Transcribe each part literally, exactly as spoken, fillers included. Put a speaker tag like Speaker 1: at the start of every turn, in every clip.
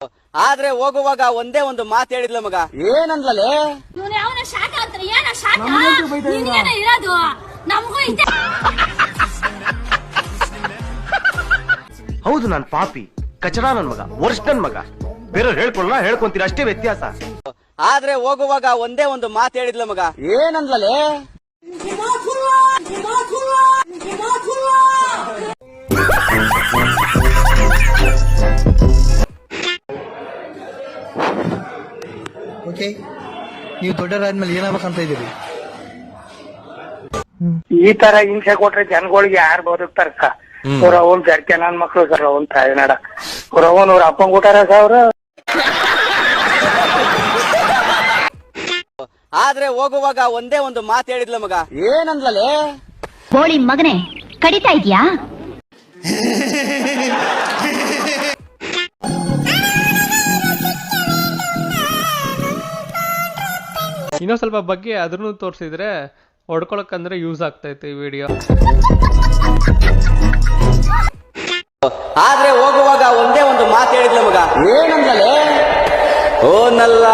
Speaker 1: ಆದ್ರೆ ಹೋಗುವಾಗ ಒಂದೇ ಒಂದು ಮಾತು ಹೇಳಿದ್ಲ ಮಗ. ಏನಂದ್ಲೇ?
Speaker 2: ಹೌದು, ನಾನ್ ಪಾಪಿ, ಕಚಡ ನನ್ ಮಗ, ವರ್ಷ ನನ್ ಮಗ. ಬೇರೆಯವ್ರು ಹೇಳ್ಕೊಳ್ಳ ಹೇಳ್ಕೊಂತೀರ, ಅಷ್ಟೇ ವ್ಯತ್ಯಾಸ.
Speaker 1: ಆದ್ರೆ ಹೋಗುವಾಗ ಒಂದೇ ಒಂದು ಮಾತು ಹೇಳಿದ್ಲ ಮಗ. ಏನಂದ್ಲೇ?
Speaker 3: ಓಕೆ, ನೀವು ದೊಡ್ಡರಾದ್ಮೇಲೆ ಏನಾಗಬೇಕಂತ ಇದ್ದೀರಿ?
Speaker 4: ಈ ತರ ಹಿಂಸೆ ಕೊಟ್ರೆ ಜನಗಳಿಗೆ ಯಾರು ಬದುಕ್ತಾರಕ್ಕ? ಅವ್ರ ಅವನ್ ಜಡ್ಕೆ ನನ್ ಮಕ್ಳು ಸರ್, ಅವನ್ ತಾಯಿನಾಡ ಅವ್ರ ಅವನ್ ಅವ್ರ ಅಪ್ಪಂಗ್ ಊಟಾರ ಅವ್ರ.
Speaker 1: ಆದ್ರೆ ಹೋಗುವಾಗ ಒಂದೇ ಒಂದು ಮಾತು ಹೇಳಿದ್ಲ ಮಗ. ಏನಂದ್ಲೇ?
Speaker 5: ಕೋಳಿ ಮಗನೇ, ಕಡಿತಾ ಇದ್ಯಾ?
Speaker 6: ಇನ್ನೂ ಸ್ವಲ್ಪ ಬಗ್ಗೆ ಅದನ್ನು ತೋರಿಸಿದ್ರೆ ಹೊಡ್ಕೊಳಕ್ಕಂದ್ರೆ ಯೂಸ್ ಆಗ್ತೈತೆ ಈ ವಿಡಿಯೋ.
Speaker 1: ಆದ್ರೆ ಹೋಗುವಾಗ ಒಂದೇ ಒಂದು ಮಾತು ಹೇಳಿದ್ಲ ಮಗ. ಏನಂದ್ಲೇ? ಓ ನಲ್ಲ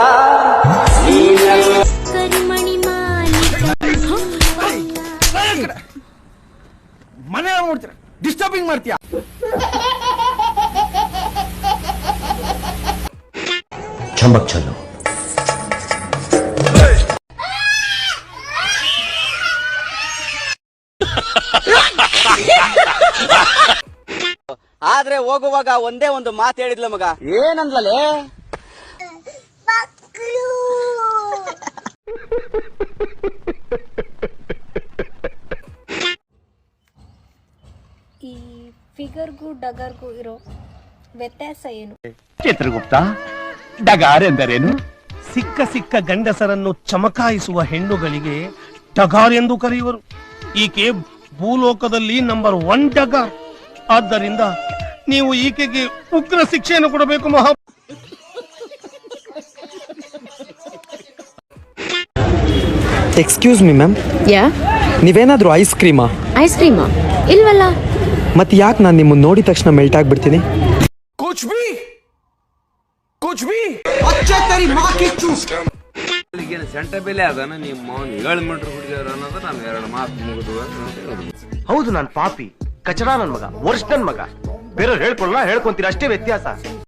Speaker 3: ಮನೆ ನೋಡ್ತೀರ, ಡಿಸ್ಟರ್ಬಿಂಗ್ ಮಾಡ್ತೀಯ.
Speaker 2: ಚಂಬಕ್ ಚಲ್ಲು.
Speaker 1: ಆದ್ರೆ ಹೋಗುವಾಗ ಒಂದೇ ಒಂದು ಮಾತು ಹೇಳಿದ್ಲ ಮಗ. ಏನಂದ್ಲೇ?
Speaker 7: ಈ ಫಿಗರ್ಗೂ ಡಗರ್ಗೂ ಇರೋ ವ್ಯತ್ಯಾಸ ಏನು?
Speaker 8: ಚಿತ್ರಗುಪ್ತ, ಡಗಾರ್ ಎಂದರೇನು? ಸಿಕ್ಕ ಸಿಕ್ಕ ಗಂಡಸರನ್ನು ಚಮಕಾಯಿಸುವ ಹೆಣ್ಣುಗಳಿಗೆ ಡಗಾರ್ ಎಂದು ಕರೆಯುವರು. ಈಕೆ ಭೂಲೋಕದಲ್ಲಿ ನಂಬರ್ ಒನ್ ಡಗಾರ್. ಆದ್ದರಿಂದ ನೀವು ಈಕೆಗೆ ಉಗ್ರ ಶಿಕ್ಷೆಯನ್ನು ಕೊಡಬೇಕು. ಮಹಾ
Speaker 9: ಎಕ್ಸ್ಕ್ಯೂಸ್ ಮಿ ಮ್ಯಾಮ್,
Speaker 10: ಯಾ
Speaker 9: ನೀವೇನಾದ್ರೂ ಐಸ್ ಕ್ರೀಮಾ?
Speaker 10: ಐಸ್ ಕ್ರೀಮಾ? ಇಲ್ವಲ್ಲ.
Speaker 9: ಮತ್ತೆ ಯಾಕೆ ನಾನು ನಿಮ್ಮನ್ನ ನೋಡಿದ ತಕ್ಷಣ ಮೆಲ್ಟ್ ಆಗ್ಬಿಡ್ತೀನಿ?
Speaker 3: ಕುಚ್ ಬಿ ಕುಚ್ ಬಿ
Speaker 1: ಸೆಂಟ ಬೆಲೆ ಅದನ್ನ ನಿಮ್ಮ ಏಳು ಮೀಟರ್ ಹುಡುಗಿಯರ ಅನ್ನೋದು ನಾನು ಎರಡು ಮಾತು ಮುಗಿದು.
Speaker 2: ಹೌದು, ನಾನ್ ಪಾಪಿ, ಕಚಡ ನನ್ ಮಗ, ವರ್ಷ ನನ್ ಮಗ. ಬೇರೆಯವ್ರು ಹೇಳ್ಕೊಳ್ಳ ಹೇಳ್ಕೊಂತೀರ, ಅಷ್ಟೇ ವ್ಯತ್ಯಾಸ.